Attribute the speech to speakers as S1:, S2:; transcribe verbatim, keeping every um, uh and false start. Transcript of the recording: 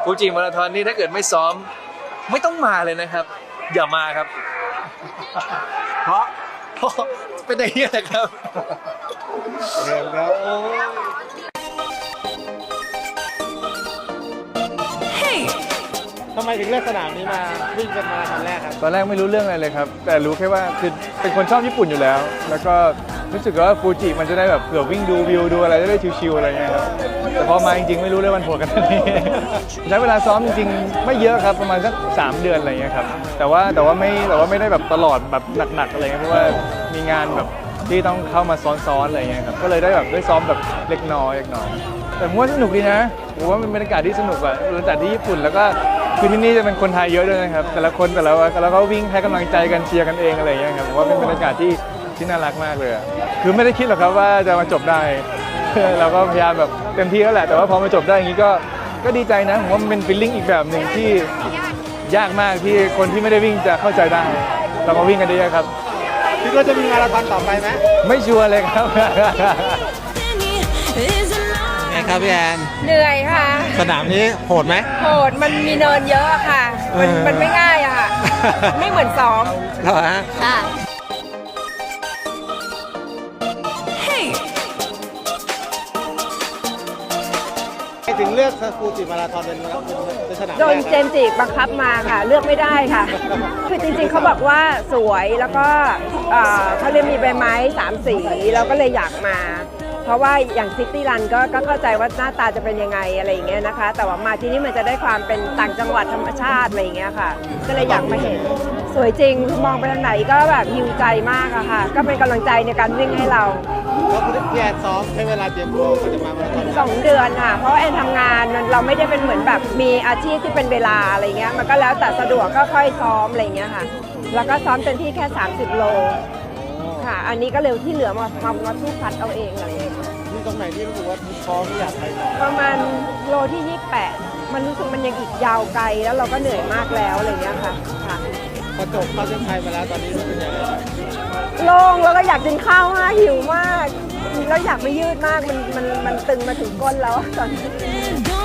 S1: ฟูจิมาราธอนนี่ถ้าเกิดไม่ซ้อมไม่ต้องมาเลยนะครับอย่ามาครับเพราะเพราะเป็นอย่างนี้แหละครับเรื่องครับโอ้
S2: ทำไมถึงเลือกสนามนี้มาวิ่งเป็นมาราธอนแรกครับ
S3: ตอนแรกไม่รู้เรื่องอะไรเลยครับแต่รู้แค่ว่าคือเป็นคนชอบญี่ปุ่นอยู่แล้ว แล้วก็รู้สึกว่าฟูจิมันจะได้แบบเผื่อวิ่งดูวิวดูอะไรได้ชิวๆอะไรเงี้ยครับแต่พอมาจริงๆไม่รู้เลยวันโผล่กันนี่ใช้เวลาซ้อมจริงๆไม่เยอะครับประมาณสักสามเดือนอะไรเงี้ยครับแต่ว่าแต่ว่าไม่แต่ว่าไม่ได้แบบตลอดแบบหนักๆอะไรเงี้ยเพราะว่ามีงานแบบที่ต้องเข้ามาซ้อนๆอะไรเงี้ยครับก็เลยได้แบบได้ซ้อมแบบเล็กน้อยเล็กน้อยแต่ผมว่าสนุกดีนะผมว่าเป็นบรรยากาศที่สนุกอะบรรยากาศที่ญี่ปุ่นแล้วก็คือที่นี่จะเป็นคนไทยเยอะด้วยนะครับแต่ละคนแต่ละแล้วก็วิ่งให้กำลังใจกันเชียร์กันเองอะไรอย่างเงี้ยครับผมว่าเป็นบรรยากาศที่ที่น่ารักมากเลยคือไม่ได้คิดหรอกครับว่าจะมาจบได้ เราก็พยายามแบบเต็มที่แล้วแหละแต่ว่าพอมาจบได้อย่างนี้ก็ก็ดีใจนะผมว่ามันเป็นฟีลลิ่งอีกแบบหนึ่งที่ยากมากที่คนที่ไม่ได้วิ่งจะเข้าใจได้เรามาวิ่งกันได้เยอะครับ
S2: คิดว่าจะมีมาราธอนต่อไปไหม
S3: ไม่ชัวร์เลยครับ
S2: ไงครับพี่แอน
S4: เหนื่อยค่ะ
S2: สนามนี้โหดไหม
S4: โหดมันมีเนินเยอะค่ะมันมันไม่ง่ายอะค่ะไม่เหมือนซ้อม
S2: เหรอฮะ
S4: ค่ะ
S2: ถึงเลือกฟูจิมาราธอนเป็นเป็นสนาม
S4: โดนเจนจิบังคับมาค่ะเลือกไม่ได้ค่ะคือจริงๆเขาบอกว่าสวยแล้วก็เขาเรียกมีใบไม้สามสีเราก็เลยอยากมาเพราะว่าอย่างซิตี้รันก็ก็เข้าใจว่าหน้าตาจะเป็นยังไงอะไรอย่างเงี้ยนะคะแต่ว่ามาที่นี่มันจะได้ความเป็นต่างจังหวัดธรรมชาติอะไรอย่างเงี้ยค่ะก็เลยอยากมาเห็นสวยจริงมองไปทางไหนก็แบบฮิวใจมากอะค่ะก็เป็นกำลังใจในการวิ่งให้เรา
S2: แล้วคุณพี่แอนซ้อมใช้เวลาเตรียมตัวจะมามาราธอน
S4: สองเดือนค่ะเพราะแอนทำงานเราไม่ได้เป็นเหมือนแบบมีอาชีพที่เป็นเวลาอะไรเงี้ยมันก็แล้วแต่สะดวกก็ค่อยซ้อมอะไรเงี้ยค่ะแล้วก็ซ้อมเต็มที่แค่สามสิบโลค่ะอันนี้ก็เร็วที่เหลือมามามาสู้พัดเอาเองอะไรเงี้ย
S2: นี่ตรงไหนที่รู้สึกว่าท้องอยากไปต่อ
S4: ประมาณโลที่ยี่สิบแปดมันรู้สึกมันยังอีกยาวไกลแล้วเราก็เหนื่อยมากแล้วอะไรเงี้ยค่ะค่ะ
S2: พอจบเข้าเส้นชัยมาแล้วตอนนี้รู้สึกยังไง
S4: โล่งแล้วก็อยากกินข้าวมากหิวมากแล้วอยากไม่ยืดมากมันมันมันตึงมาถึงก้นแล้วตอนนี้